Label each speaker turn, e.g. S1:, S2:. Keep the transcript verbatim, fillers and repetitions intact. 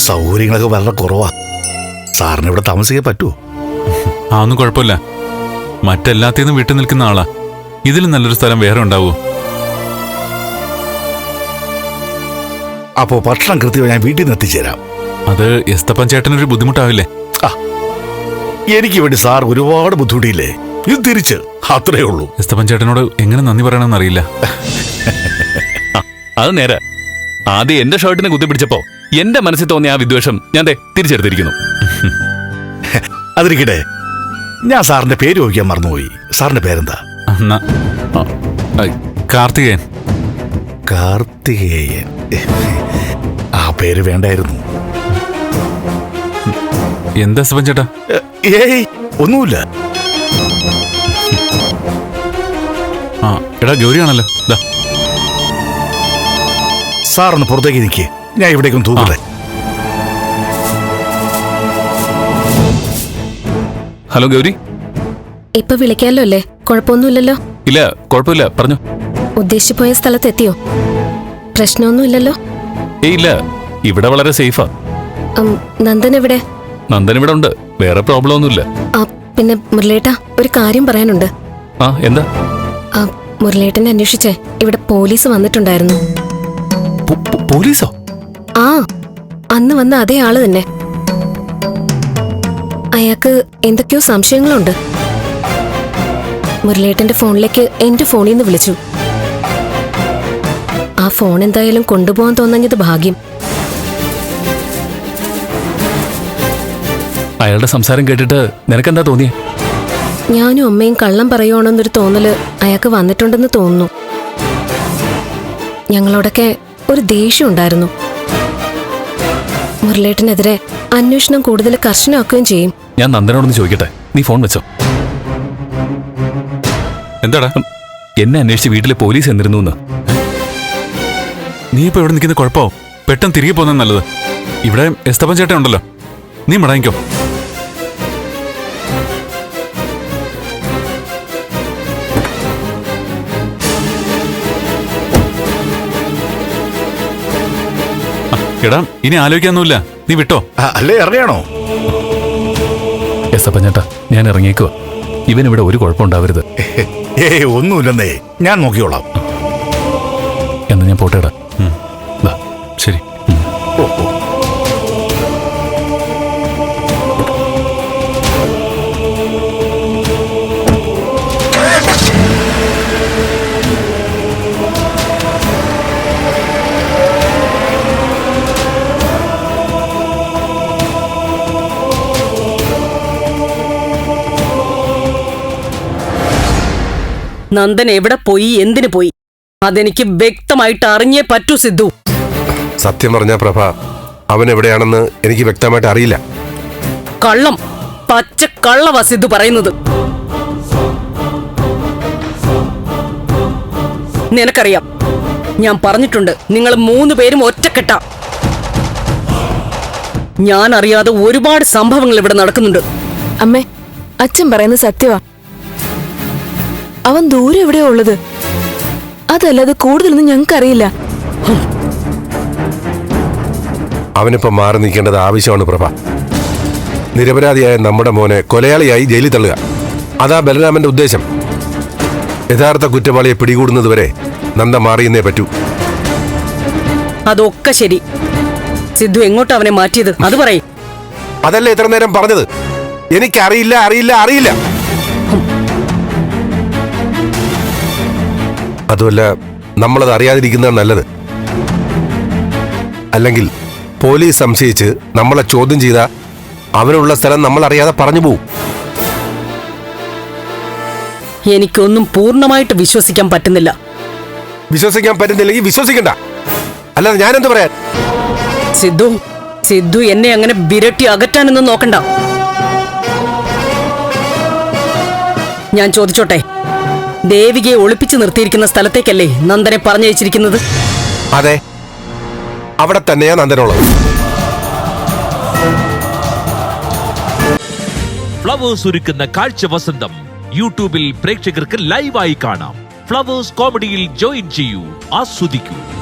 S1: സൗകര്യങ്ങളൊക്കെ വളരെ കുറവാ. സാറിന് ഇവിടെ താമസിക്കാൻ പറ്റുമോ?
S2: ആ ഒന്നും കുഴപ്പമില്ല. മറ്റെല്ലാത്തിന്നും വിട്ടു നിൽക്കുന്ന ആളാ. ഇതിലും നല്ലൊരു സ്ഥലം വേറെ ഉണ്ടാവോ?
S1: അപ്പോ ഭക്ഷണം കൃത്യമായി ഞാൻ വീട്ടിൽ നിന്ന് എത്തിച്ചേരാം.
S2: അത് എസ്തപ്പൻ ചേട്ടനൊരു ബുദ്ധിമുട്ടാവില്ലേ?
S1: ആ എനിക്ക് വേണ്ടി സാർ ഒരുപാട് ബുദ്ധിമുട്ടിയില്ലേ? ഇത് തിരിച്ച് അത്രേ ഉള്ളൂ.
S2: എസ്തപ്പൻ ചേട്ടനോട് എങ്ങനെ നന്ദി പറയണമെന്ന് അറിയില്ല.
S3: അത് നേരെ. ആദ്യം എന്റെ ഷർട്ടിനെ കുത്തിപ്പിടിച്ചപ്പോ എന്റെ മനസ്സിൽ തോന്നിയ ആ വിദ്വേഷം ഞാൻ തിരിച്ചെടുത്തിരിക്കുന്നു.
S1: അതിരിക്കട്ടെ, ഞാൻ സാറിന്റെ പേര് ചോദിക്കാൻ മറന്നുപോയി. സാറിന്റെ പേരെന്താ?
S2: കാർത്തികേയൻ.
S1: കാർത്തികേയൻ. ആ പേര് വേണ്ടായിരുന്നു.
S2: എന്താ എസ്തപ്പൻ ചേട്ടാ?
S1: ഏയ് ഒന്നുമില്ല.
S2: ആ എടാ ഗൗരിയാണല്ലോ.
S1: സാറൊന്ന് പുറത്തേക്ക് നിൽക്കേ, ഞാൻ ഇവിടേക്കൊന്ന് തൂക്കട്ടെ.
S3: ഹലോ ഗൗരി.
S4: ഇപ്പൊ വിളിക്കാലോ അല്ലേ? കുഴപ്പമൊന്നുമില്ലല്ലോ?
S3: ഇല്ല, കുഴപ്പമില്ല, പറഞ്ഞു.
S4: ഉദ്ദേശിച്ചു പോയ സ്ഥലത്തെത്തിയോ? പ്രശ്നമൊന്നുമില്ലല്ലോ?
S3: ഏയ് ഇല്ല, ഇവിടെ വളരെ സേഫാ.
S4: നന്ദൻ എവിടെ?
S3: നന്ദൻ ഇവിടെ ഉണ്ട്, വേറെ പ്രോബ്ലം ഒന്നുമില്ല.
S4: പിന്നെ മുരളേട്ടാ, ഒരു കാര്യം പറയാനുണ്ട്.
S3: ആ എന്താ?
S4: മുരളേട്ടനെ അന്വേഷിച്ചേ ഇവിടെ പോലീസ് വന്നിട്ടുണ്ടായിരുന്നു.
S3: പോലീസോ?
S4: ആ അന്ന് വന്ന അതേ ആള് തന്നെ. അയാൾക്ക് എന്തൊക്കെയോ സംശയങ്ങളുണ്ട്. മുരളേട്ടന്റെ ഫോണിലേക്ക് എന്റെ ഫോണിൽ നിന്ന് വിളിച്ചു. ആ ഫോൺ എന്തായാലും കൊണ്ടുപോകാൻ തോന്നഞ്ഞത് ഭാഗ്യം.
S3: അയാളുടെ സംസാരം കേട്ടിട്ട് നിനക്കെന്താ തോന്നിയേ?
S4: ഞാനും അമ്മയും കള്ളം പറയുവാണെന്നൊരു തോന്നല് അയാൾക്ക് വന്നിട്ടുണ്ടെന്ന് തോന്നുന്നു. ഞങ്ങളോടൊക്കെ ഒരു ദേഷ്യം ഉണ്ടായിരുന്നു. മുരളേട്ടനെതിരെ അന്വേഷണം കൂടുതൽ കർശനമാക്കുകയും ചെയ്യും.
S3: ഞാൻ നന്ദനോടൊന്ന് ചോദിക്കട്ടെ, നീ ഫോൺ വെച്ചോ.
S2: എന്താടാ?
S3: എന്നെ അന്വേഷിച്ച് വീട്ടിലെ പോലീസ് എന്നിരുന്നു എന്ന്.
S2: നീ ഇപ്പൊ ഇവിടെ നിൽക്കുന്ന കുഴപ്പമോ? പെട്ടെന്ന് തിരികെ പോകുന്നത് നല്ലത്. ഇവിടെ എസ്തപ്പൻ ചേട്ടൻ ഉണ്ടല്ലോ, നീ മടങ്ങിക്കോ. എടാ ഇനി ആലോചിക്കാനൊന്നുമില്ല, നീ വിട്ടോ.
S1: അല്ലേ ഇറങ്ങിയാണോ?
S3: എസ്തപ്പൻ ചേട്ടാ, ഞാൻ ഇറങ്ങിയേക്കുവാ. ഇവനിവിടെ ഒരു കുഴപ്പമുണ്ടാവരുത്.
S1: ഏയ് ഒന്നുമില്ലെന്നേ, ഞാൻ നോക്കിയോളാം.
S3: എന്നാ ഞാൻ പോട്ടേടാ.
S2: ശരി.
S1: ഓ ഓ
S5: നന്ദൻ എവിടെ പോയി, എന്തിനു പോയി, അതെനിക്ക് വ്യക്തമായിട്ട് അറിഞ്ഞേ പറ്റൂ സിദ്ധു.
S6: സത്യം പറഞ്ഞ പ്രഭ, അവൻ എവിടെയാണെന്ന് എനിക്ക് വ്യക്തമായിട്ട് അറിയില്ല.
S5: കള്ളം, പച്ച കള്ളവാ സിദ്ധു പറയുന്നത്. നിനക്കറിയാം, ഞാൻ പറഞ്ഞിട്ടുണ്ട്, നിങ്ങൾ മൂന്ന് പേരും ഒറ്റക്കെട്ട. ഞാൻ അറിയാതെ ഒരുപാട് സംഭവങ്ങൾ ഇവിടെ നടക്കുന്നുണ്ട്.
S7: അമ്മേ, അച്ഛൻ പറയുന്നത് സത്യവാ. അവൻ ദൂരെ എവിടെയാ ഉള്ളത്, അതല്ലാതെ കൂടുതലൊന്നും ഞങ്ങൾക്കറിയില്ല.
S6: അവനിപ്പോ മാറി നിൽക്കേണ്ടത് ആവശ്യമാണ് പ്രഭ. നിരപരാധിയായ നമ്മുടെ മോനെ കൊലയാളിയായി ജയിലിൽ തള്ളുക, അതാ ബലരാമന്റെ ഉദ്ദേശം. യഥാർത്ഥ കുറ്റവാളിയെ പിടികൂടുന്നതുവരെ നന്ദ മാറിയെന്നേ പറ്റൂ.
S5: അതൊക്കെ ശരി. സിദ്ധു എങ്ങോട്ട് അവനെ മാറ്റിയത് അത് പറയും.
S6: അതല്ലേ ഇത്ര നേരം പറഞ്ഞത്? എനിക്കറിയില്ല, അറിയില്ല, അറിയില്ല. അതുമല്ല, നമ്മളത് അറിയാതിരിക്കുന്നതാണ് നല്ലത്. അല്ലെങ്കിൽ പോലീസ് സംശയിച്ച് നമ്മളെ ചോദ്യം ചെയ്ത അവനുള്ള സ്ഥലം നമ്മൾ അറിയാതെ പറഞ്ഞു പോവും.
S5: എനിക്കൊന്നും പൂർണ്ണമായിട്ട് വിശ്വസിക്കാൻ പറ്റുന്നില്ല.
S6: വിശ്വസിക്കാൻ പറ്റുന്നില്ലെങ്കിൽ വിശ്വസിക്കണ്ട, അല്ലാതെ ഞാനെന്ത് പറയാൻ?
S5: സിദ്ധു സിദ്ധു എന്നെ അങ്ങനെ വിരട്ടി അകറ്റാനൊന്നും നോക്കണ്ട. ഞാൻ ചോദിച്ചോട്ടെ, ദേവികയെ ഒളിപ്പിച്ചു നിർത്തിയിരിക്കുന്ന സ്ഥലത്തേക്കല്ലേ നന്ദനെ പറഞ്ഞയച്ചിരിക്കുന്നത്?
S6: അതെ, അവിടെ തന്നെയാ നന്ദനുള്ളത്.
S8: ഫ്ലവേഴ്സ് ഒരുക്കുന്ന കാഴ്ച വസന്തം യൂട്യൂബിൽ പ്രേക്ഷകർക്ക് ലൈവായി കാണാം. ഫ്ലവേഴ്സ് കോമഡിയിൽ ജോയിൻ ചെയ്യൂ, ആസ്വദിക്കൂ.